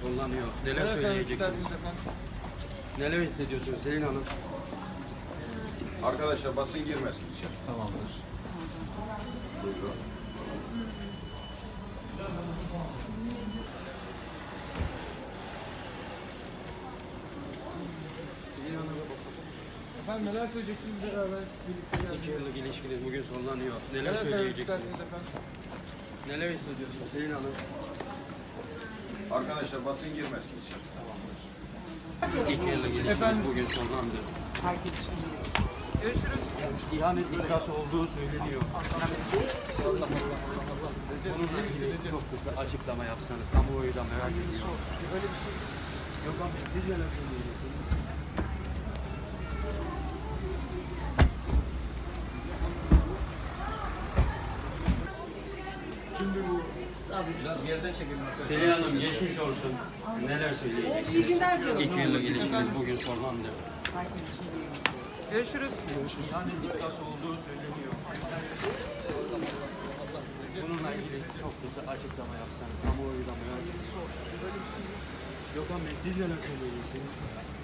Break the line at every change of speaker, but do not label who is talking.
sonlanıyor. Neler
Neler söylemek
söyleyeceksiniz?
istersiniz efendim?
Neler hissediyorsunuz Selin Hanım?
Arkadaşlar basın girmesin içeri.
Tamamdır.
Buyurun.
Selin Hanım,
Efendim neler söyleyeceksiniz beraber birlikte
2
geldiniz?
yıllık ilişkiniz bugün sonlanıyor. Neler
Neler söylemek
söyleyeceksiniz?
istersiniz efendim?
Neler hissediyorsunuz Selin Hanım?
Arkadaşlar basın girmesin içeri.
2 yıllık ilişkiniz
Efendim?
bugün sonlandı.
Görüşürüz.
İhanet iddiası olduğu söyleniyor. Bununla
İyi misin
ilgili
Recep?
çok kısa açıklama yapsanız. Kamuoyu da merak ediyor.
Öyle bir şey.
Yok abi, siz neler söyleyeceksiniz?
Biraz geriden çekelim.
Selin Hanım geçmiş olsun. Neler söyleyeceksiniz?
İyi günler canım.
2 yıllık ilişkiniz bugün sonlandı.
Görüşürüz.
İhanet iddiası olduğu söyleniyor. Bununla ilgili çok kısa açıklama yapsanız. Kamuoyu da merak ediyor. Gökhan Bey, siz neler söyleyeceksiniz?